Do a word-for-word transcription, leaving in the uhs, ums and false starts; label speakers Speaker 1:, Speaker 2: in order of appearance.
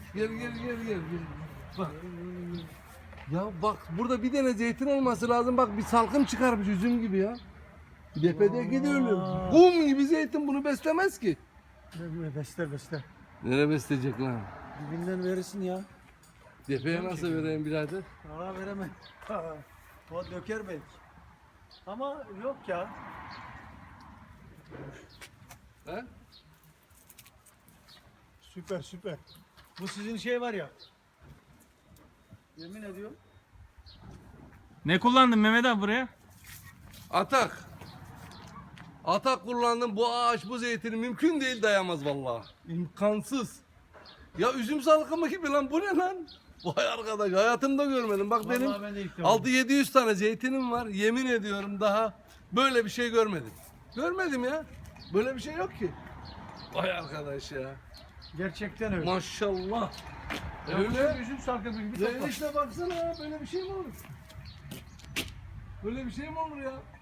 Speaker 1: Gel gel gel gel. gel. Bak. Ya bak burada bir tane zeytin olması lazım. Bak bir salkım çıkarmış üzüm gibi ya. Depedeki de öyle. Kum gibi zeytin bunu beslemez ki.
Speaker 2: Ne besler besler.
Speaker 1: Nereye besleyecek lan?
Speaker 2: Dibinden verirsin ya.
Speaker 1: Depeye nasıl vereyim birader?
Speaker 2: Aa veremem. O döker belki. Ama yok ya.
Speaker 1: He?
Speaker 2: Süper süper. Bu sizin şey var ya. Yemin ediyorum.
Speaker 3: Ne kullandın Mehmet abi buraya?
Speaker 1: Atak. Atak kullandım. Bu ağaç bu zeytini mümkün değil dayamaz vallahi. İmkansız. Ya üzüm salkımı gibi lan bu ne lan? Vay arkadaş hayatımda görmedim. Bak
Speaker 2: Vallahi
Speaker 1: benim
Speaker 2: ben de ilk defa.
Speaker 1: altı yedi yüz tane zeytinim var. Yemin ediyorum daha böyle bir şey görmedim. Görmedim ya. Böyle bir şey yok ki. Vay arkadaş ya.
Speaker 2: Gerçekten öyle.
Speaker 1: Maşallah.
Speaker 2: Ya
Speaker 1: Öyle.
Speaker 2: bu üzüm sarkı gibi bir
Speaker 1: Ya
Speaker 2: toprak.
Speaker 1: işte baksana ya böyle bir şey mi olur? Böyle bir şey mi olur ya?